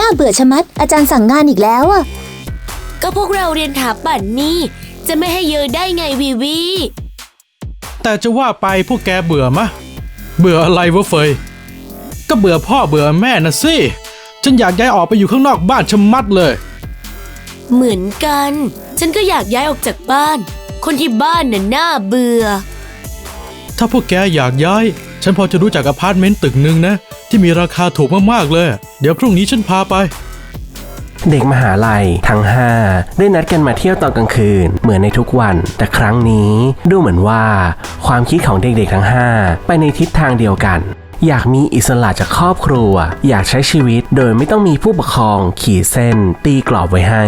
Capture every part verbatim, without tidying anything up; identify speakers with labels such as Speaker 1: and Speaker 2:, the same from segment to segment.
Speaker 1: น่าเบื่อชะมัดอาจารย์สั่งงานอีกแล้วอะ
Speaker 2: ก็พวกเราเรียนถาปัตย์นี่จะไม่ให้เยอะได้ไงวีวี
Speaker 3: แต่จะว่าไปพวกแกเบื่อมะเบื่ออะไรวะเฟยก็เบื่อพ่อเบื่อแม่นะสิฉันอยากย้ายออกไปอยู่ข้างนอกบ้านชะมัดเลย
Speaker 2: เหมือนกันฉันก็อยากย้ายออกจากบ้านคนที่บ้านน่ะน่าเบื่อ
Speaker 3: ถ้าพวกแกอยากย้ายฉันพอจะรู้จักอพาร์ตเมนต์ตึกนึงนะที่มีราคาถูกมากๆเลยเดี๋ยวพรุ่งนี้ฉันพาไป
Speaker 4: เด็กมหาลัยทั้งห้าได้นัดกันมาเที่ยวตอนกลางคืนเหมือนในทุกวันแต่ครั้งนี้ดูเหมือนว่าความคิดของเด็กๆทั้งห้าไปในทิศทางเดียวกันอยากมีอิสระจากครอบครัวอยากใช้ชีวิตโดยไม่ต้องมีผู้ปกครองขีดเส้นตีกรอบไว้ให้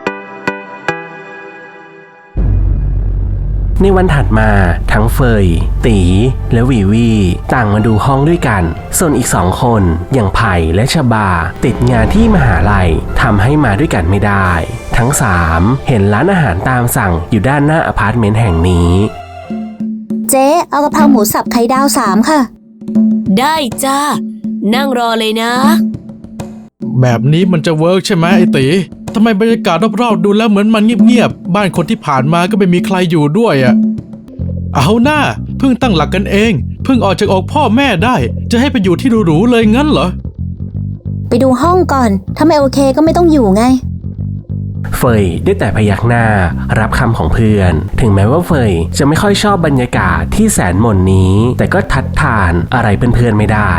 Speaker 4: ในวันถัดมาทั้งเฟยตีและวีวีต่างมาดูห้องด้วยกันส่วนอีกสองคนอย่างไผ่และชบาติดงานที่มหาลัยทำให้มาด้วยกันไม่ได้ทั้งสามเห็นร้านอาหารตามสั่งอยู่ด้านหน้าอพาร์ตเมนต์แห่งนี้
Speaker 1: เจ๊เอากะเพราหมูสับไข่ดาวสามค่ะ
Speaker 2: ได้จ้านั่งรอเลยนะ
Speaker 3: แบบนี้มันจะเวิร์กใช่ไหมไอ้ตีทำไมบรรยากาศรอบๆดูแล้วเหมือนมันเงียบๆบ้านคนที่ผ่านมาก็ไม่มีใครอยู่ด้วยอ่ะเอาหน้าเพิ่งตั้งหลักกันเองเพิ่งออกจากอกพ่อแม่ได้จะให้ไปอยู่ที่หรูๆเลยงั้นเหรอ
Speaker 1: ไปดูห้องก่อนถ้าไม่โอเคก็ไม่ต้องอยู่ไง
Speaker 4: เฟยได้แต่พยักหน้ารับคำของเพื่อนถึงแม้ว่าเฟยจะไม่ค่อยชอบบรรยากาศที่แสนหม่นนี้แต่ก็ทัดทานอะไรเพื่อนๆไม่ได้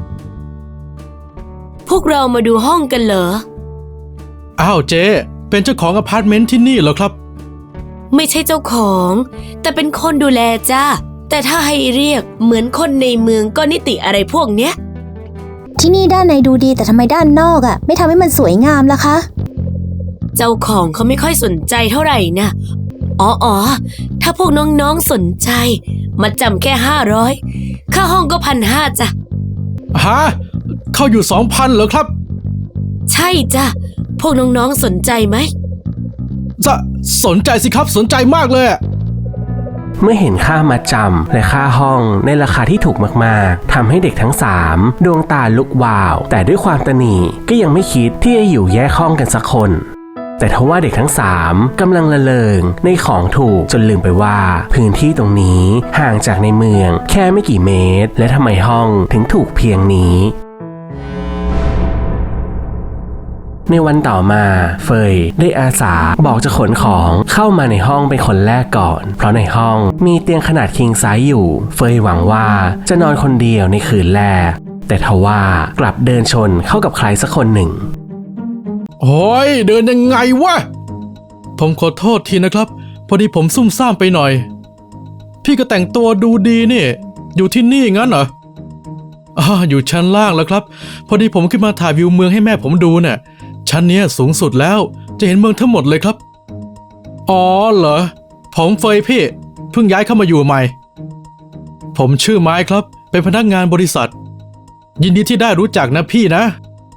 Speaker 2: พวกเรามาดูห้องกันเหรอ
Speaker 3: อ้าวเจ๊เป็นเจ้าของอพาร์ตเมนต์ที่นี่เหรอครับ
Speaker 2: ไม่ใช่เจ้าของแต่เป็นคนดูแลจ้าแต่ถ้าให้เรียกเหมือนคนในเมืองก็นิติอะไรพวกเนี้ย
Speaker 1: ที่นี่ด้านในดูดีแต่ทำไมด้านนอกอ่ะไม่ทำให้มันสวยงามล่ะคะ
Speaker 2: เจ้าของเขาไม่ค่อยสนใจเท่าไหร่นะอ๋ออ๋อถ้าพวกน้องๆสนใจมาจำแค่ห้าร้อยค่าห้องก็พันห้าจ้ะ
Speaker 3: ฮะเข้าอยู่สองพันเหรอครับ
Speaker 2: ใช่จ้ะพวกน้องๆสนใจไหม
Speaker 3: จะสนใจสิครับสนใจมากเลย
Speaker 4: เมื่อเห็นค่ามัดจำและค่าห้องในราคาที่ถูกมากๆทำให้เด็กทั้งสามดวงตาลุกวาวแต่ด้วยความตนีก็ยังไม่คิดที่จะอยู่แยกห้องกันสักคนแต่ทว่าเด็กทั้งสามกำลังละเลงในของถูกจนลืมไปว่าพื้นที่ตรงนี้ห่างจากในเมืองแค่ไม่กี่เมตรและทำไมห้องถึงถูกเพียงนี้ในวันต่อมาเฟยได้อาสาบอกจะขนของเข้ามาในห้องเป็นคนแรกก่อนเพราะในห้องมีเตียงขนาดคิงไซส์อยู่เฟยหวังว่าจะนอนคนเดียวในคืนแรกแต่ทว่ากลับเดินชนเข้ากับใครสักคนหนึ่ง
Speaker 3: โอ้ยเดินยังไงวะผมขอโทษทีนะครับพอดีผมซุ่มซ่ามไปหน่อยพี่ก็แต่งตัวดูดีนี่อยู่ที่นี่งั้นเหรออ่าอยู่ชั้นล่างแล้วครับพอดีผมขึ้นมาถ่ายวิวเมืองให้แม่ผมดูเนี่ยชั้นนี้สูงสุดแล้วจะเห็นเมืองทั้งหมดเลยครับอ๋อเหรอผมเฟยพี่เพิ่งย้ายเข้ามาอยู่ใหม่ผมชื่อไม้ครับเป็นพนักงานบริษัทยินดีที่ได้รู้จักนะพี่นะ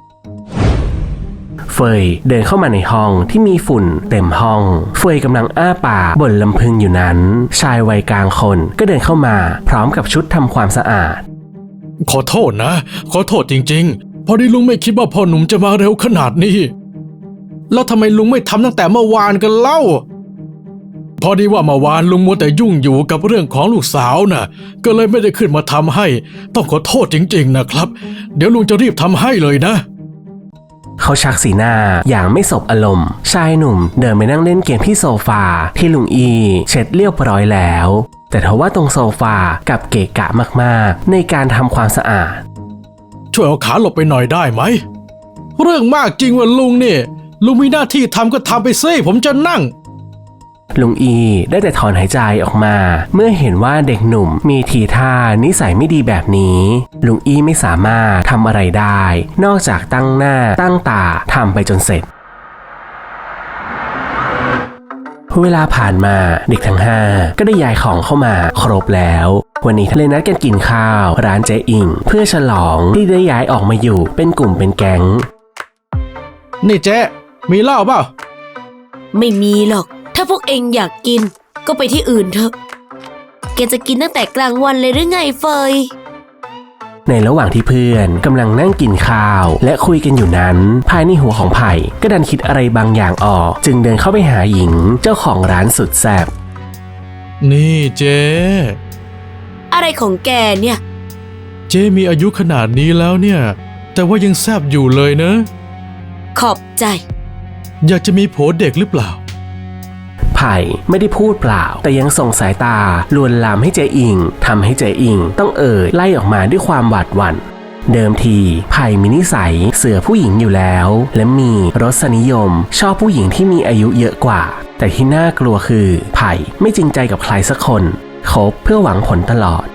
Speaker 4: เฟยเดินเข้ามาในห้องที่มีฝุ่นเต็มห้องเฟยกำลังอ้าปากบ่นลำพึงอยู่นั้นชายวัยกลางคนก็เดินเข้ามาพร้อมกับชุดทำความสะอาด
Speaker 3: ขอโทษนะขอโทษจริงๆพอดีลุงไม่คิดว่าพ่อหนุ่มจะมาเร็วขนาดนี้แล้วทำไมลุงไม่ทำตั้งแต่เมื่อวานกันเล่าพอดีว่าเมื่อวานลุงมัวแต่ยุ่งอยู่กับเรื่องของลูกสาวน่ะก็เลยไม่ได้ขึ้นมาทำให้ต้องขอโทษจริงๆนะครับเดี๋ยวลุงจะรีบทำให้เลยนะ
Speaker 4: เขาชักสีหน้าอย่างไม่สบอารมณ์ชายหนุ่มเดินไปนั่งเล่นเกมที่โซฟาที่ลุงอีเช็ดเรียบร้อยแล้วแต่ทว่าตรงโซฟากับเกะกะมากๆในการทำความสะอาด
Speaker 3: ช่วยเอาขาหลบไปหน่อยได้ไหมเรื่องมากจริงว่าลุงนี่ลุงมีหน้าที่ทำก็ทำไปซิผมจะนั่ง
Speaker 4: ลุงอีได้แต่ถอนหายใจออกมาเมื่อเห็นว่าเด็กหนุ่มมีทีท่านิสัยไม่ดีแบบนี้ลุงอีไม่สามารถทำอะไรได้นอกจากตั้งหน้าตั้งตาทำไปจนเสร็จเวลาผ่านมาเด็กทั้งห้าก็ได้ย้ายของเข้ามาครบแล้ววันนี้เลยนัดกันกินข้าวร้านเจ๊อิงเพื่อฉลองที่ได้ย้ายออกมาอยู่เป็นกลุ่มเป็นแก๊ง
Speaker 3: นี่เจ๊มีเหล้าเปล่า
Speaker 2: ไม่มีหรอกถ้าพวกเองอยากกินก็ไปที่อื่นเถอะแกจะกินตั้งแต่กลางวันเลยหรือไงเฟย
Speaker 4: ในระหว่างที่เพื่อนกำลังนั่งกินข้าวและคุยกันอยู่นั้นภายในหัวของไผ่ก็ดันคิดอะไรบางอย่างออกจึงเดินเข้าไปหาหญิงเจ้าของร้านสุดแซ่บ
Speaker 3: นี่เจ๊
Speaker 2: อะไรของแกเนี่ย
Speaker 3: เจ๊มีอายุขนาดนี้แล้วเนี่ย แต่ว่ายังแซบอยู่เลยนะ
Speaker 2: ขอบใจ
Speaker 3: อยากจะมีผัวเด็กหรือเปล่า
Speaker 4: ไผ่ไม่ได้พูดเปล่าแต่ยังส่งสายตาลวนลามให้เจอิงทำให้เจอิงต้องเอ่ยไล่ออกมาด้วยความหวาดหวั่นเดิมทีไผ่มีนิสัยเสือผู้หญิงอยู่แล้วและมีรสนิยมชอบผู้หญิงที่มีอายุเยอะกว่าแต่ที่น่ากลัวคือไผ่ไม่จริงใจกับใครสักคนคบเพื่อหวังผลตลอด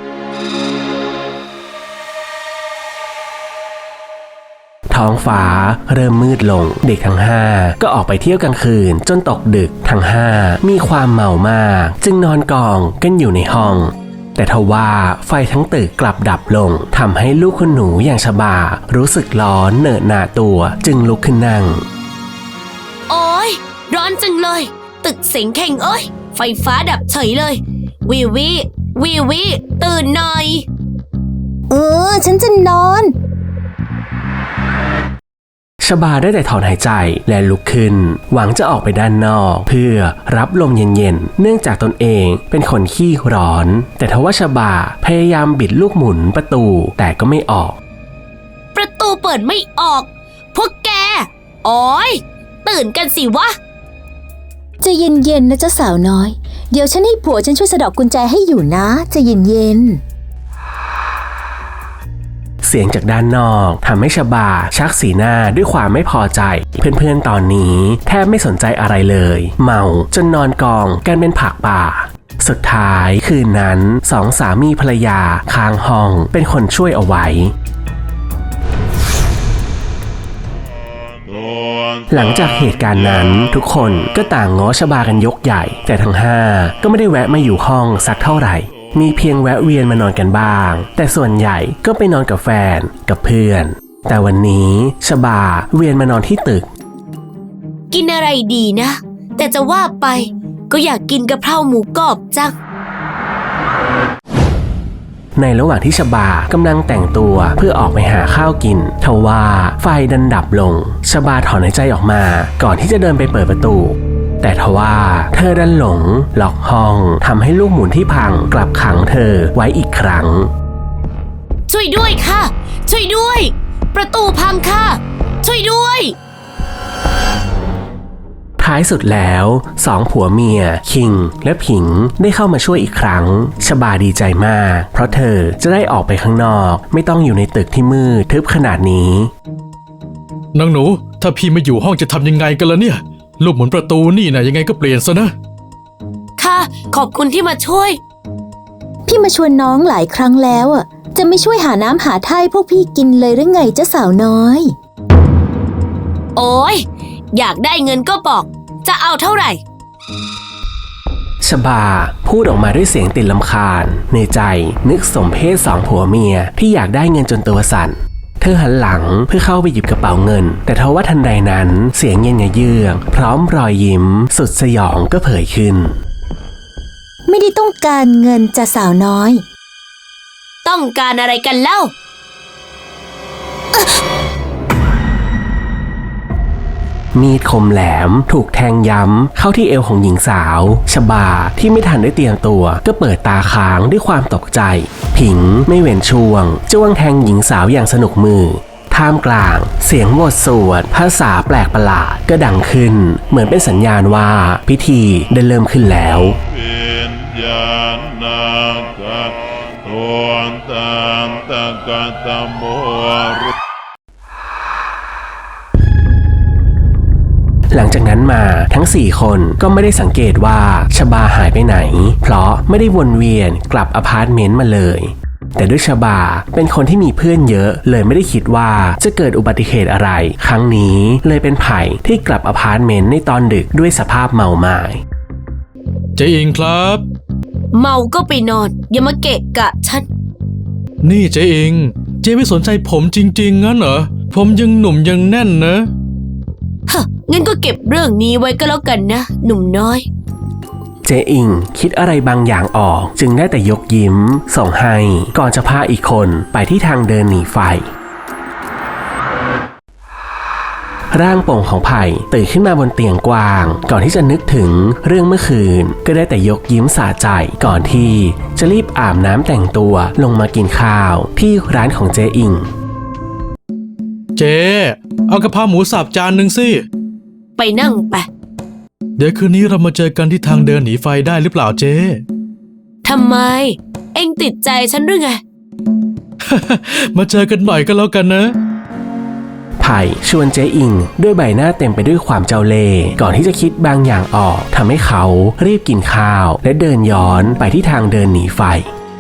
Speaker 4: ท้องฟ้าเริ่มมืดลงเด็กทั้งห้าก็ออกไปเที่ยวกลางคืนจนตกดึกทั้งห้ามีความเมามากจึงนอนกองกันอยู่ในห้องแต่ทว่าไฟทั้งตึกกลับดับลงทำให้ลูกคุณหนูอย่างชบารู้สึกร้อนเหนอะหนาตัวจึงลุกขึ้นนั่ง
Speaker 2: โอ้ยร้อนจังเลย ตึกเสียงแข่งเอ้ยไฟฟ้าดับเฉยเลยวิวิวิวิตื่นหน่อย
Speaker 1: เออ ฉันจะนอน
Speaker 4: ชบาได้แต่ถอนหายใจและลุกขึ้นหวังจะออกไปด้านนอกเพื่อรับลมเย็นๆเนื่องจากตนเองเป็นคนขี้ร้อนแต่ทว่าชบาพยายามบิดลูกหมุนประตูแต่ก็ไม่ออก
Speaker 2: ประตูเปิดไม่ออก พวกแก โอ้ยตื่นกันสิวะ
Speaker 1: ใจะเย็นๆนะเจ้าสาวน้อย เดี๋ยวฉันให้ผัวฉันช่วยสะดอกกุญแจให้อยู่นะใจะเย็นๆ
Speaker 4: เสียงจากด้านนอกทำให้ชบาชักสีหน้าด้วยความไม่พอใจเพื่อนๆตอนนี้แทบไม่สนใจอะไรเลยเมาจนนอนกองกันเป็นผักป่าสุดท้ายคืนนั้นสองสามีภรรยาค้างห้องเป็นคนช่วยเอาไว้หลังจากเหตุการณ์นั้นทุกคนก็ต่างง้อชบากันยกใหญ่แต่ทั้งห้าก็ไม่ได้แวะมาอยู่ห้องสักเท่าไหร่มีเพียงแวะเวียนมานอนกันบ้างแต่ส่วนใหญ่ก็ไปนอนกับแฟนกับเพื่อนแต่วันนี้ชบาเวียนมานอนที่ตึก
Speaker 2: กินอะไรดีนะ แต่จะว่าไปก็อยากกินกะเพราหมูกรอบจัง
Speaker 4: ในระหว่างที่ชบากำลังแต่งตัวเพื่อออกไปหาข้าวกินทว่าไฟดันดับลงชบาถอนหายใจออกมาก่อนที่จะเดินไปเปิดประตูแต่ทว่าเธอดันหลงล็อกห้องทำให้ลูกหมุนที่พังกลับขังเธอไว้อีกครั้ง
Speaker 2: ช่วยด้วยค่ะ ช่วยด้วย ประตูพังค่ะ ช่วยด้วย
Speaker 4: ท้ายสุดแล้วสองผัวเมียคิงและผิงได้เข้ามาช่วยอีกครั้งชบาดีใจมากเพราะเธอจะได้ออกไปข้างนอกไม่ต้องอยู่ในตึกที่มืดทึบขนาดนี้
Speaker 3: นางหนูถ้าพี่ไม่อยู่ห้องจะทำยังไงกันล่ะเนี่ยลูกหมุนประตูนี่นะยังไงก็เปลี่ยนซะนะ
Speaker 2: ค่ะ ขอบคุณที่มาช่วย
Speaker 1: พี่มาชวนน้องหลายครั้งแล้วอ่ะจะไม่ช่วยหาน้ำหาท่าให้พวกพี่กินเลยหรือไงเจ้าสาวน้อย
Speaker 2: โอ้ยอยากได้เงินก็บอกจะเอาเท่าไหร่
Speaker 4: ชบาพูดออกมาด้วยเสียงติดลำคาญในใจนึกสมเพศสองผัวเมียที่อยากได้เงินจนตัวสั่นเธอหันหลังเพื่อเข้าไปหยิบกระเป๋าเงินแต่ทว่าทันใดนั้นเสียงเย็นเยือกพร้อมรอยยิ้มสุดสยองก็เผยขึ้น
Speaker 1: ไม่ได้ต้องการเงินจ้าสาวน้อย
Speaker 2: ต้องการอะไรกันเล่า
Speaker 4: มีดคมแหลมถูกแทงย้ำเข้าที่เอวของหญิงสาวชบาที่ไม่ทันได้เตรียมตัวก็เปิดตาค้างด้วยความตกใจผิงไม่เว้นช่วงจ้วงแทงหญิงสาวอย่างสนุกมือท่ามกลางเสียงบทสวดภาษาแปลกประหลาดก็ดังขึ้นเหมือนเป็นสัญญาณว่าพิธีได้เริ่มขึ้นแล้วหลังจากนั้นมาทั้งสี่คนก็ไม่ได้สังเกตว่าชบาหายไปไหนเพราะไม่ได้วนเวียนกลับอพาร์ตเมนต์มาเลยแต่ด้วยชบาเป็นคนที่มีเพื่อนเยอะเลยไม่ได้คิดว่าจะเกิดอุบัติเหตุอะไรครั้งนี้เลยเป็นไผ่ที่กลับอพาร์ตเมนต์ในตอนดึกด้วยสภาพเมาหมาย
Speaker 3: เจ๊อิงครับ
Speaker 2: เมาก็ไปนอนอย่ามาเกะกะฉัน
Speaker 3: นี่เจ๊อิงเจ๊ไม่สนใจผมจริงๆงั้นเหรอผมยังหนุ่มยังแน่นนะ
Speaker 2: ฮะงั้นก็เก็บเรื่องนี้ไว้ก็แล้วกันนะหนุ่มน้อย
Speaker 4: เจอิงคิดอะไรบางอย่างออกจึงได้แต่ยกยิ้มส่งให้ก่อนจะพาอีกคนไปที่ทางเดินหนีไฟร่างโป่งของไผ่ตื่นขึ้นมาบนเตียงกว้างก่อนที่จะนึกถึงเรื่องเมื่อคืนก็ได้แต่ยกยิ้มสะใจก่อนที่จะรีบอาบน้ำแต่งตัวลงมากินข้าวที่ร้านของเจอิง
Speaker 3: เจ๊เอากะเพราหมูสับจานหนึ่งสิ
Speaker 2: ไปนั่งไป
Speaker 3: เดี๋ยวคืนนี้เรามาเจอกันที่ทางเดินหนีไฟได้หรือเปล่าเจ๊
Speaker 2: ทำไม เอ็งติดใจฉันหรือไง
Speaker 3: มาเจอกันหน่อยก็แล้วกันนะ
Speaker 4: ไผ่ชวนเจอิงด้วยใบหน้าเต็มไปด้วยความเจ้าเล่ห์ก่อนที่จะคิดบางอย่างออกทำให้เขารีบกินข้าวและเดินย้อนไปที่ทางเดินหนีไฟ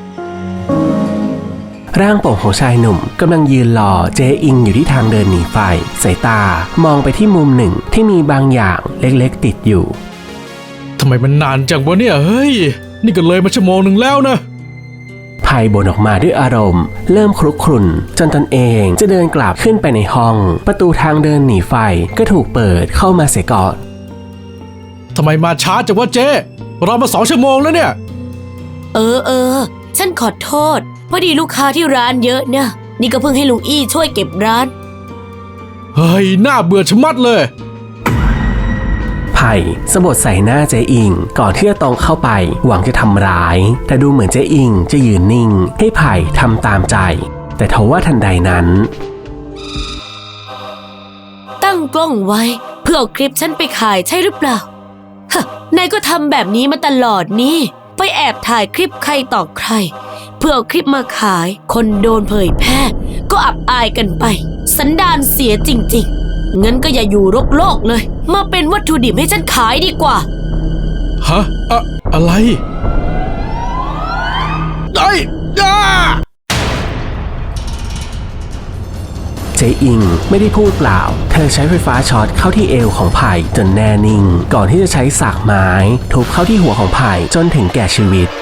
Speaker 4: ร่างโป่งของชายหนุ่มกำลังยืนรอเจอิงอยู่ที่ทางเดินหนีไฟสายตามองไปที่มุมหนึ่งที่มีบางอย่างเล็กๆติดอยู่
Speaker 3: ทำไมมันนานจังวะเนี่ยเฮ้ยนี่ก็เลยมาชั่วโมงหนึ่งแล้วนะ
Speaker 4: ไผ่บ่นออกมาด้วยอารมณ์เริ่มครุกครุ่นจนตนเองจะเดินกลับขึ้นไปในห้องประตูทางเดินหนีไฟก็ถูกเปิดเข้ามาเสียก่อน
Speaker 3: ทำไมมาช้าจังวะเจ๊รอมาสองชั่วโมงแล้วเนี่ย
Speaker 2: เออเออฉันขอโทษพอดีลูกค้าที่ร้านเยอะนะนี่ก็เพิ่งให้ลุงอี้ช่วยเก็บร้าน
Speaker 3: เฮ้ยน่าเบื่อชะมัดเลย
Speaker 4: ไผ่สะบัดใส่หน้าเจอิงก่อนที่จะตรงเข้าไปหวังจะทำร้ายแต่ดูเหมือนเจอิงจะยืนนิ่งให้ไผ่ทำตามใจแต่ทว่าทันใดนั้น
Speaker 2: ตั้งกล้องไว้เพื่อเอาคลิปฉันไปขายใช่หรือเปล่าฮะนายก็ทำแบบนี้มาตลอดนี่ไปแอบถ่ายคลิปใครต่อใครเพื่อเอาคลิปมาขายคนโดนเผยแพร่ก็อับอายกันไปสันดานเสียจริงๆงั้นก็อย่าอยู่รกโลกเลยมาเป็นวัตถุดิบให้ฉันขายดีกว่า
Speaker 3: ฮะอะอะไรไอ้ย่า
Speaker 4: เจอิงไม่ได้พูดเปล่าเธอใช้ไฟฟ้าช็อตเข้าที่เอวของไผ่จนแน่นิ่งก่อนที่จะใช้สากไม้ทุบเข้าที่หัวของไผ่จนถึงแก่ชีวิต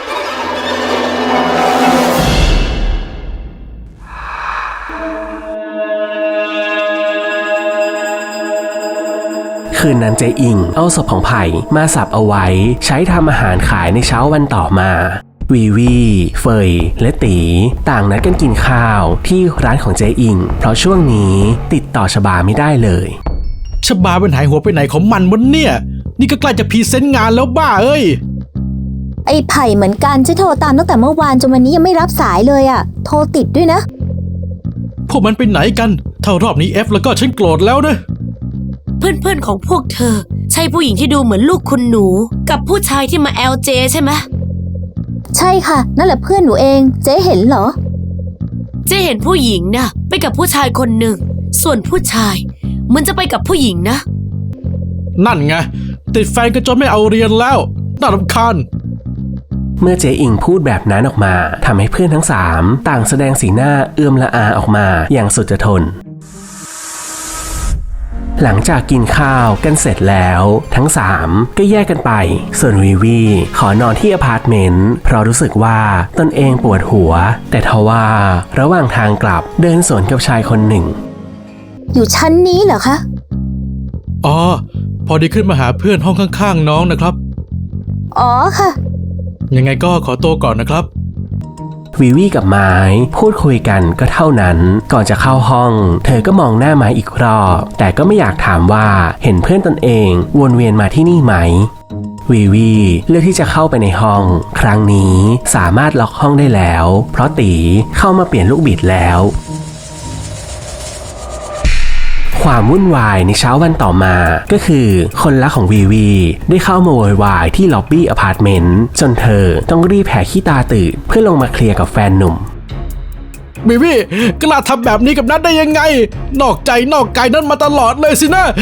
Speaker 4: คืนนั้นเจอิงเอาศพของไผ่มาสับเอาไว้ใช้ทำอาหารขายในเช้าวันต่อมาวีวีเฟยและตีต่างนัดกันกินข้าวที่ร้านของเจอิงเพราะช่วงนี้ติดต่อชบาไม่ได้เลย
Speaker 3: ชบาเป็นหายหัวไปไหนของมันวะเนี่ยนี่ก็ใกล้จะพรีเซนต์งานแล้วบ้าเอ้ย
Speaker 1: ไอ้ไผ่เหมือนกันฉันโทรตามตั้งแต่เมื่อวานจนวันนี้ยังไม่รับสายเลยอะโทรติดด้วยนะ
Speaker 3: พวกมันไปไหนกันถ้ารอบนี้เอฟแล้วก็ฉันโกรธแล้วนะ
Speaker 2: เพื่อนๆของพวกเธอใช่ผู้หญิงที่ดูเหมือนลูกคุณหนูกับผู้ชายที่มา แอล เจ ใช่ไหม
Speaker 1: ใช่ค่ะนั่นแหละเพื่อนหนูเองเจ๊เห็นเหรอ
Speaker 2: เจ๊เห็นผู้หญิงนะไปกับผู้ชายคนหนึ่งส่วนผู้ชายมันจะไปกับผู้หญิงนะ
Speaker 3: นั่นไงติดแฟนกันจนไม่เอาเรียนแล้วน่ารำคาญ
Speaker 4: เมื่อเจอิงพูดแบบนั้นออกมาทำให้เพื่อนทั้งสามต่างแสดงสีหน้าเอื้อมละอาออกมาอย่างสุดจะทนหลังจากกินข้าวกันเสร็จแล้วทั้งสามก็แยกกันไปส่วนวีวีขอนอนที่อพาร์ตเมนต์เพราะรู้สึกว่าตนเองปวดหัวแต่ทว่าระหว่างทางกลับเดินสวนกับชายคนหนึ่ง
Speaker 1: อยู่ชั้นนี้เหรอคะ
Speaker 3: อ๋อพอดีขึ้นมาหาเพื่อนห้องข้างๆน้องนะครับ
Speaker 1: อ๋อค่ะ
Speaker 3: ยังไงก็ขอตัวก่อนนะครับ
Speaker 4: วีวีกับไม้พูดคุยกันก็เท่านั้นก่อนจะเข้าห้องเธอก็มองหน้าไม้อีกรอบแต่ก็ไม่อยากถามว่าเห็นเพื่อนตนเองวนเวียนมาที่นี่ไหมวีวีเลือกที่จะเข้าไปในห้องครั้งนี้สามารถล็อกห้องได้แล้วเพราะตีเข้ามาเปลี่ยนลูกบิดแล้วความวุ่นวายในเช้าวันต่อมาก็คือคนรักของวีวีได้เข้ามาโวยวายที่ล็อบบี้อพาร์ตเมนต์จนเธอต้องรีบแผ่ขี้ตาตื่นเพื่อลงมาเคลียร์กับแฟนหนุ่ม
Speaker 3: วีวีกล้าทำแบบนี้กับนัทได้ยังไงนอกใจนอกกายนั้นมาตลอดเลยสินะ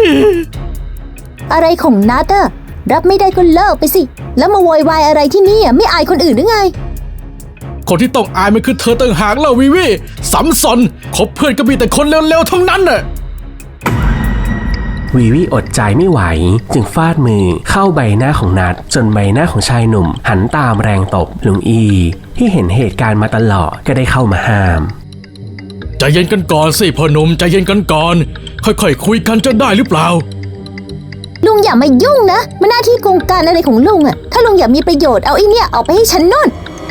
Speaker 1: อะไรของนัทอะรับไม่ได้ก็เลิกไปสิแล้วมาโวยวายอะไรที่นี่ไม่อายคนอื่นหรือไง
Speaker 3: คนที่ต้องอายมันคือเธอต่างหากแล้ววีวีสัมสนคบเพื่อนก็มีแต่คนเร็วๆทั้งนั้นน่ะ
Speaker 4: วีวีอดใจไม่ไหวจึงฟาดมือเข้าใบหน้าของนัทจนใบหน้าของชายหนุ่มหันตามแรงตบลุงอีที่เห็นเหตุการณ์มาตลอดก็ได้เข้ามาห้าม
Speaker 3: ใจเย็นกันก่อนสิพ่อหนุ่มใจเย็นกันก่อนค่อยๆคุยกันจะได้หรือเปล่า
Speaker 1: ลุงอย่ามายุ่งนะมันหน้าที่โครงการอะไรของลุงอะถ้าลุงอยากมีประโยชน์เอาไอ้เนี่ยเอาไปให้ฉันโน่น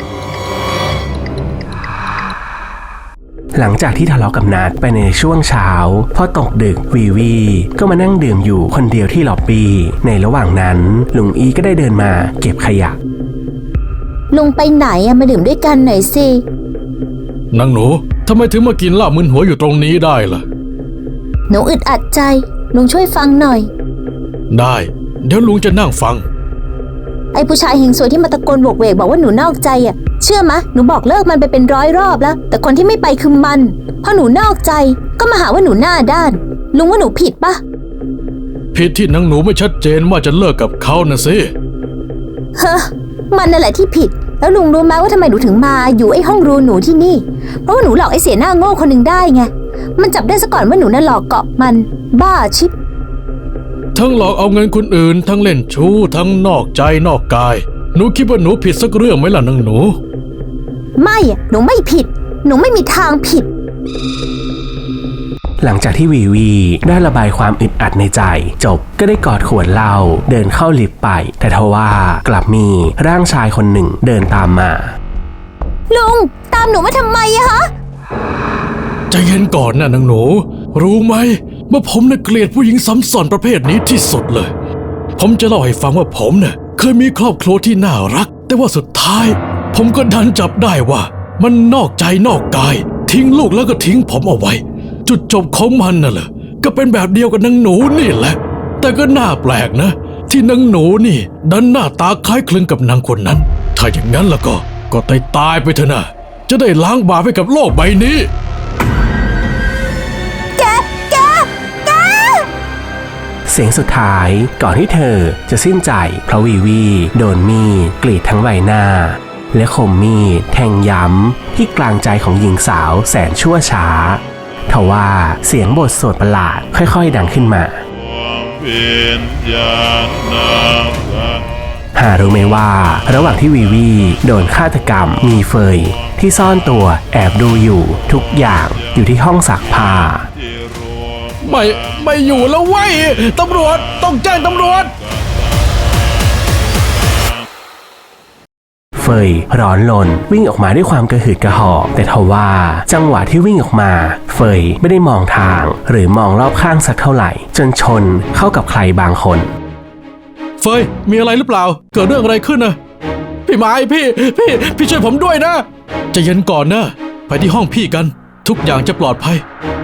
Speaker 4: หลังจากที่ทะเลาะกับนัดไปในช่วงเช้าพอตกดึกวีวีก็มานั่งดื่มอยู่คนเดียวที่ล็อบบี้ในระหว่างนั้นลุงอีก็ได้เดินมาเก็บขยะ
Speaker 1: ลุงไปไหนอะมาดื่มด้วยกันหน่อยสิ
Speaker 3: นางหนูทำไมถึงมากินเหล้ามึนหัวอยู่ตรงนี้ได้ล่ะ
Speaker 1: หนูอึดอัดใจลุงช่วยฟังหน่อย
Speaker 3: ได้เดี๋ยวลุงจะนั่งฟัง
Speaker 1: ไอ้ผู้ชายเฮงซวยที่มาตะโกนโวกเวกบอกว่าหนูนอกใจอ่ะเชื่อมะหนูบอกเลิกมันไปเป็นร้อยรอบแล้วแต่คนที่ไม่ไปคือมันพอหนูนอกใจก็มาหาว่าหนูหน้าด้านลุงว่าหนูผิดปะ
Speaker 3: ผิดที่นางหนูไม่ชัดเจนว่าจะเลิกกับเขานะสิ
Speaker 1: เฮ้อมันนั่นแหละที่ผิดแล้วลุงรู้ไหมว่าทำไมหนูถึงมาอยู่ไอ้ห้องรูหนูที่นี่เพราะว่าหนูหลอกไอ้เสียหน้าโง่คนหนึ่งได้ไงมันจับได้ซะก่อนว่าหนูน่ะหลอกเกาะมันบ้าชิบ
Speaker 3: ทั้งหลอกเอาเงินคนอื่นทั้งเล่นชู้ทั้งนอกใจนอกกายหนูคิดว่าหนูผิดสักเรื่องไหมล่ะนางหนู
Speaker 1: ไม่อะหนูไม่ผิดหนูไม่มีทางผิด
Speaker 4: หลังจากที่วีวีได้ระบายความอึดอัดในใจจบก็ได้กอดขวดเหล้าเดินเข้าลิฟต์ไปแต่ทว่ากลับมีร่างชายคนหนึ่งเดินตามมา
Speaker 1: ลุงตามหนูมาทำไมอะฮะ
Speaker 3: ใจเย็นก่อนนะนางหนูรู้ไหมว่าผมน่ะเกลียดผู้หญิงซ้ำซ้อนประเภทนี้ที่สุดเลยผมจะเล่าให้ฟังว่าผมเนี่ยเคยมีครอบครัวที่น่ารักแต่ว่าสุดท้ายผมก็ดันจับได้ว่ามันนอกใจนอกกายทิ้งลูกแล้วก็ทิ้งผมเอาไว้จุดจบของมันน่ะเหรอก็เป็นแบบเดียวกับนางหนูนี่แหละแต่ก็น่าแปลกนะที่นางหนูนี่ดันหน้าตาคล้ายคลึงกับนางคนนั้นถ้าอย่างนั้นแล้วก็ก็ตายตายไปเถอะนะจะได้ล้างบาปให้กับโลกใบนี้
Speaker 4: เสียงสุดท้ายก่อนที่เธอจะสิ้นใจเพราะวีวีโดนมีดกรีดทั้งใบหน้าและคมมีดแทงย้ำที่กลางใจของหญิงสาวแสนชั่วช้าทว่าเสียงบทสวดประหลาดค่อยๆดังขึ้นมาหารู้ไหมว่าระหว่างที่วีวีโดนฆาตกรรมมีเฟยที่ซ่อนตัวแอบดูอยู่ทุกอย่างอยู่ที่ห้องซักผ้า
Speaker 3: ไม่ไม่อยู่แล้วเว้ยตำรวจต้องแจ้งตำรวจ
Speaker 4: เฟยร้อนรนวิ่งออกมาด้วยความกระหืดกระหอบแต่ทว่าจังหวะที่วิ่งออกมาเฟยไม่ได้มองทางหรือมองรอบข้างสักเท่าไหร่จนชนเข้ากับใครบางคน
Speaker 3: เฟยมีอะไรหรือเปล่าเกิดเรื่องอะไรขึ้นนะพี่ไม้พี่พี่พี่ช่วยผมด้วยนะใจเย็นก่อนนะไปที่ห้องพี่กันทุกอย่างจะปลอดภัย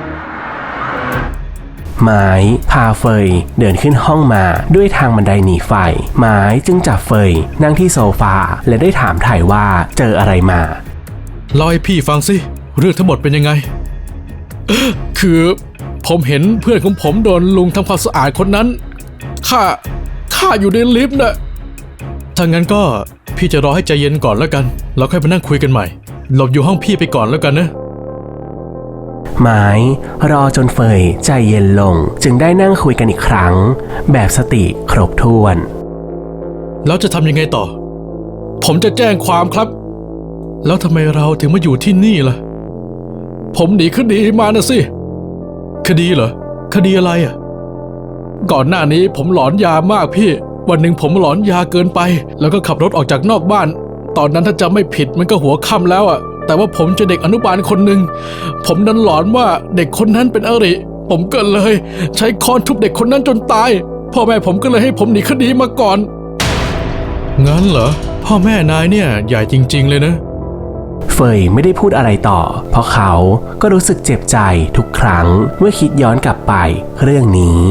Speaker 4: ไม้พาเฟยเดินขึ้นห้องมาด้วยทางบันไดหนีไฟไม้จึงจับเฟยนั่งที่โซฟาและได้ถามถ่ายว่าเจออะไรมา
Speaker 3: เล่าให้พี่ฟังสิเรื่องทั้งหมดเป็นยังไงคือผมเห็นเพื่อนของผมโดนลุงทำความสะอาดคนนั้นข้าข้าอยู่ในลิฟต์นะถ้างั้นก็พี่จะรอให้ใจเย็นก่อนแล้วกันแล้วค่อยมานั่งคุยกันใหม่หลบอยู่ห้องพี่ไปก่อนแล้วกันนะ
Speaker 4: ไม้รอจนเฟยใจเย็นลงจึงได้นั่งคุยกันอีกครั้งแบบสติครบถ้วน
Speaker 3: แล้วจะทำยังไงต่อผมจะแจ้งความครับแล้วทำไมเราถึงมาอยู่ที่นี่ล่ะผมหนีคดีมานะสิคดีเหรอคดีอะไรอ่ะก่อนหน้านี้ผมหลอนยามากพี่วันหนึ่งผมหลอนยาเกินไปแล้วก็ขับรถออกจากนอกบ้านตอนนั้นถ้าจำไม่ผิดมันก็หัวค่ำแล้วอ่ะแต่ว่าผมเจอเด็กอนุบาลคนหนึ่งผมนั้นหลอนว่าเด็กคนนั้นเป็นอริผมก็เลยใช้ค้อนทุบเด็กคนนั้นจนตายพ่อแม่ผมก็เลยให้ผมหนีคดีมาก่อนงั้นเหรอพ่อแม่นายเนี่ยใหญ่จริงๆเลยนะ
Speaker 4: เฟยไม่ได้พูดอะไรต่อเพราะเขาก็รู้สึกเจ็บใจทุกครั้งเมื่อคิดย้อนกลับไปเรื่องนี้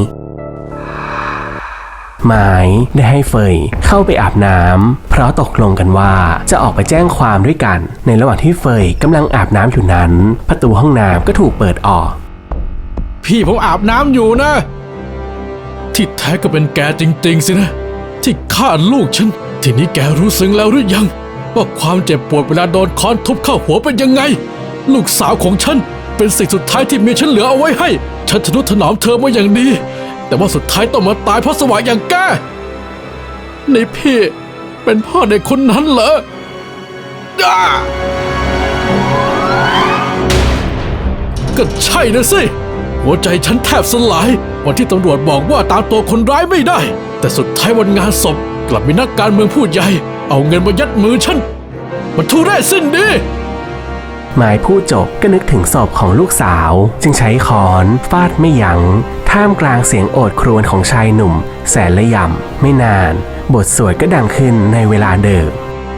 Speaker 4: ไม้ได้ให้เฟยเข้าไปอาบน้ำเพราะตกลงกันว่าจะออกไปแจ้งความด้วยกันในระหว่างที่เฟยกำลังอาบน้ำอยู่นั้นประตูห้องน้ำก็ถูกเปิดออก
Speaker 3: พี่ผมอาบน้ำอยู่นะที่แท้ก็เป็นแกจริงๆสินะที่ฆ่าลูกฉันทีนี้แกรู้ซึ้งแล้วหรือยังว่าความเจ็บปวดเวลาโดนค้อนทุบเข้าหัวเป็นยังไงลูกสาวของฉันเป็นสิ่งสุดท้ายที่เมียฉันเหลือเอาไว้ให้ฉันทนุถนอมเธอมาอย่างดีแต่ว่าสุดท้ายต้องมาตายเพราะสวะอย่างแกนี่พี่เป็นพ่อเด็กคนนั้นเหรอก็ใช่นะสิหัวใจฉันแทบสลายวันที่ตำรวจบอกว่าตามตัวคนร้ายไม่ได้แต่สุดท้ายวันงานศพกลับมีนักการเมืองผู้ใหญ่เอาเงินมายัดมือฉันมันทุเรศสิ้นดี
Speaker 4: หมายพูดจบก็นึกถึงศพของลูกสาวจึงใช้ค้อนฟาดไม่ยัง้งท่ามกลางเสียงโอดครวญของชายหนุ่มแสนละย่ำไม่นานบทสวดก็ดังขึ้นในเวลาเดิม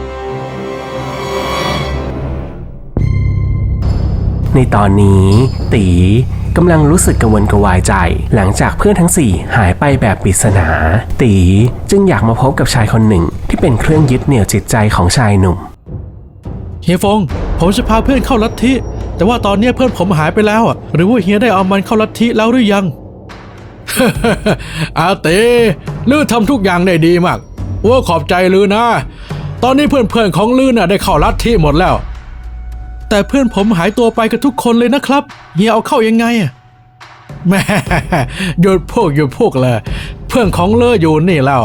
Speaker 4: ในตอนนี้ตีกำลังรู้สึกกังวลกระวายใจหลังจากเพื่อนทั้งสี่หายไปแบบปริศนาตีจึงอยากมาพบกับชายคนหนึ่งที่เป็นเครื่องยึดเหนี่ยวจิตใจของชายหนุ่ม
Speaker 3: เฮียฟงผมจะพาเพื่อนเข้าลัทธิแต่ว่าตอนนี้เพื่อนผมหายไปแล้วอ่ะหรือว่าเฮียได้เอามันเข้าลัทธิแล้วหรือยัง อาเต้ลือทำทุกอย่างได้ดีมากอ้วขอบใจลือนะตอนนี้เพื่อนๆของลือน่ะได้เข้าลัทธิหมดแล้วแต่เพื่อนผมหายตัวไปกันทุกคนเลยนะครับเฮียเอาเข้ายังไงอ่ะแม่ หยุดพวกหยุดพวกเลยเพื่อนของลืออยู่นี่แล้ว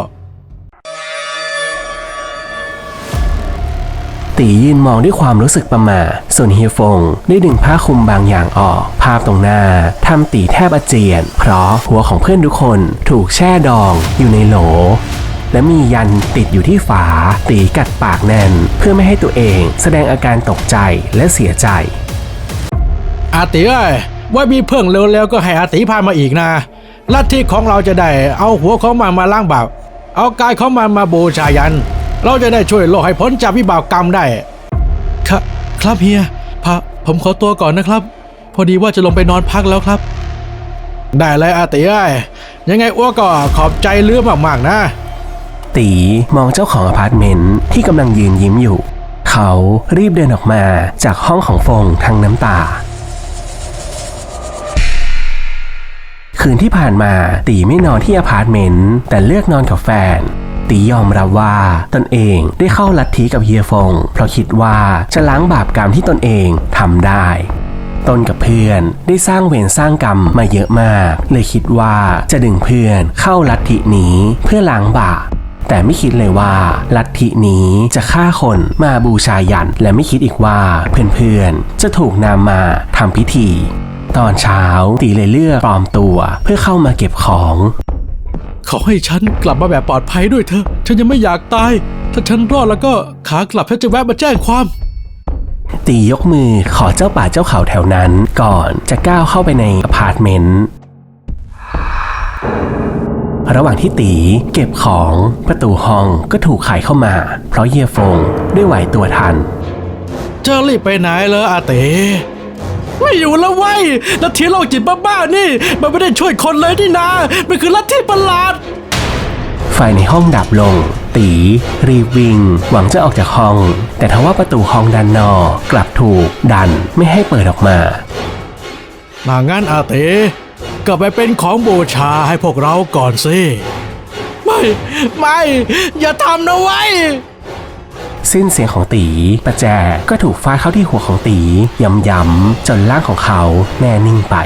Speaker 4: ตียืนมองด้วยความรู้สึกประหม่าส่วนเฮียฟงได้ดึงผ้าคลุมบางอย่างออกภาพตรงหน้าทำตีแทบอาเจียนเพราะหัวของเพื่อนทุกคนถูกแช่ดองอยู่ในโหลและมียันติดอยู่ที่ฝาตีกัดปากแน่นเพื่อไม่ให้ตัวเองแสดงอาการตกใจและเสียใจ
Speaker 3: อาติเอ้ยว่ามีเพิ่งเร็วๆก็ให้อาติพามาอีกนะลัทธิของเราจะได้เอาหัวของมันมาล้างบาปเอากายของมันมาบูชายันเราจะได้ช่วยโลกให้พ้นจากวิบากกรรมได้ครับครับเฮียพะผมขอตัวก่อนนะครับพอดีว่าจะลงไปนอนพักแล้วครับได้เลยอาติเอ้ยยังไงอ้วก็ขอบใจเลือมากๆนะ
Speaker 4: ตีมองเจ้าของอพาร์ตเมนต์ที่กำลังยืนยิ้มอยู่เขารีบเดินออกมาจากห้องของฟงทั้งน้ำตาคืนที่ผ่านมาตีไม่นอนที่อพาร์ตเมนต์แต่เลือกนอนกับแฟนตียอมรับว่าตนเองได้เข้าลัทธิกับเฮียฟงเพราะคิดว่าจะล้างบาปกรรมที่ตนเองทำได้ตนกับเพื่อนได้สร้างเวรสร้างกรรมมาเยอะมากเลยคิดว่าจะดึงเพื่อนเข้าลัทธินี้เพื่อล้างบาปแต่ไม่คิดเลยว่าลัทธินี้จะฆ่าคนมาบูชายันและไม่คิดอีกว่าเพื่อนๆจะถูกนำมาทำพิธีตอนเช้าตีเลยเลือกปลอมตัวเพื่อเข้ามาเก็บของ
Speaker 3: ขอให้ฉันกลับมาแบบปลอดภัยด้วยเถอะฉันยังไม่อยากตายถ้าฉันรอดแล้วก็ขากลับฉันจะแวะมาแจ้งความ
Speaker 4: ตียกมือขอเจ้าป่าเจ้าเขาแถวนั้นก่อนจะก้าวเข้าไปในอพาร์ตเมนต์ระหว่างที่ตีเก็บของประตูห้องก็ถูกไขเข้ามาเพราะเฮียฟงได้ไหวตัวทัน
Speaker 3: จะรีบไปไหนเลยอาเต๋ไม่อยู่แล้วเว้ยลัทธิโรคจิตบ้าๆนี่มันไม่ได้ช่วยคนเลยนี่นามันคือลัทธิประหลาด
Speaker 4: ไฟในห้องดับลงตีรีบวิ่งหวังจะออกจากห้องแต่ทว่าประตูห้องด้านนอกกลับถูกดันไม่ให้เปิดออกมา
Speaker 3: มางั้นอาเต๋กลับไปเป็นของบูชาให้พวกเราก่อนสิไม่ไม่อย่าทำนะเว้ย
Speaker 4: สิ้นเสียงของตีประแจก็ถูกฟาดเข้าที่หัวของตีย้ำๆจนร่างของเขาแน่นิ่งไป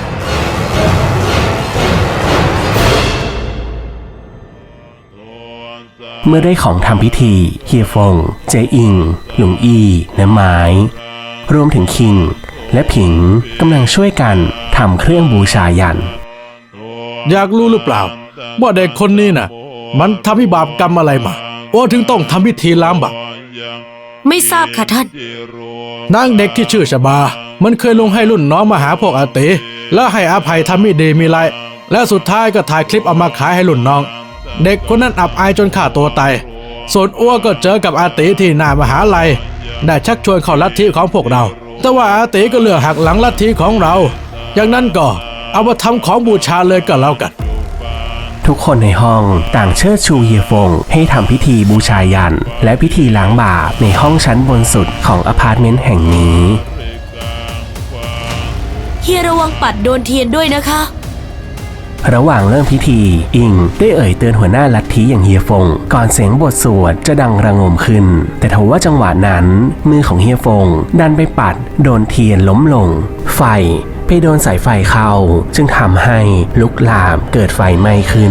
Speaker 4: เมื่อได้ของทำพิธีเฮียฟงเจอิงหลุงอีและไม้รวมถึงคิงและผิงกำลังช่วยกันทำเครื่องบูชายัน
Speaker 3: อยากรู้หรือเปล่าว่าเด็กคนนี้น่ะมันทำวิบากกรรมอะไรมาว่าถึงต้องทำพิธีล้างบาป
Speaker 2: ไม่ทราบค่ะท่าน
Speaker 3: นางเด็กที่ชื่อชบามันเคยลงให้รุ่นน้องมาหาพวกอาเตแล้วให้อภัยทำไม่ดีมีไรและสุดท้ายก็ถ่ายคลิปเอามาขายให้รุ่นน้องเด็กคนนั้นอับอายจนฆ่าตัวตายส่วนอ้วก็เจอกับอาเตที่หน้ามหาลัยได้ชักชวนเข้าลัทธิของพวกเราแต่ว่าอาเตก็เลือกหักหลังลัทธิของเราอย่างนั้นก็เอามาทำของบูชาเลยก็แล้วกัน
Speaker 4: ทุกคนในห้องต่างเชิดชูเฮียฟงให้ทำพิธีบูชายันและพิธีล้างบาปในห้องชั้นบนสุดของอพาร์ตเมนต์แห่งนี้
Speaker 2: เฮียระวังปัดโดนเทียนด้วยนะคะ
Speaker 4: ระหว่างเริ่มพิธีอิงได้เอ่ยเตือนหัวหน้าลัทธิอย่างเฮียฟงก่อนเสียงบทสวดจะดังระงมขึ้นแต่ทว่าจังหวะนั้นมือของเฮียฟงดันไปปัดโดนเทียนล้มลงไฟไปโดนสายไฟเข้าจึงทำให้ลุกลามเกิดไฟไหม้ขึ้น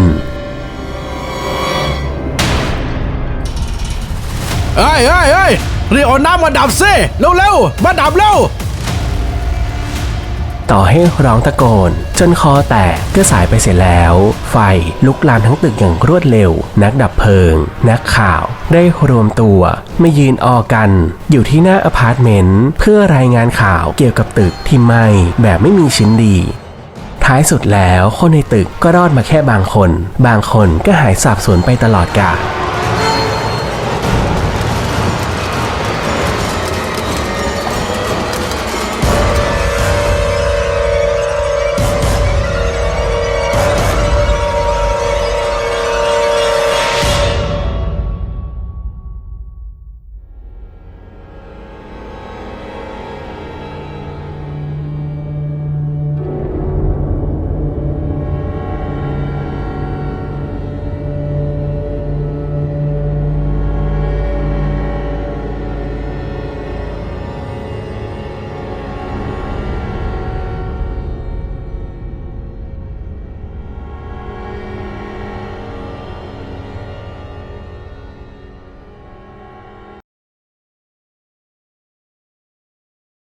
Speaker 3: เอ้ยเอ้ยเอ้ยรีบเอาน้ำมาดับซิเร็วๆมาดับเร็ว
Speaker 4: ต่อให้ร้องตะโกนจนคอแตกก็สายไปเสียแล้ว ไฟลุกลามทั้งตึกอย่างรวดเร็วนักดับเพลิงนักข่าวได้รวมตัวมายืนออกันอยู่ที่หน้าอพาร์ตเมนต์เพื่อรายงานข่าวเกี่ยวกับตึกที่ไหม้แบบไม่มีชิ้นดีท้ายสุดแล้วคนในตึกก็รอดมาแค่บางคนบางคนก็หายสาบสูญไปตลอดกาล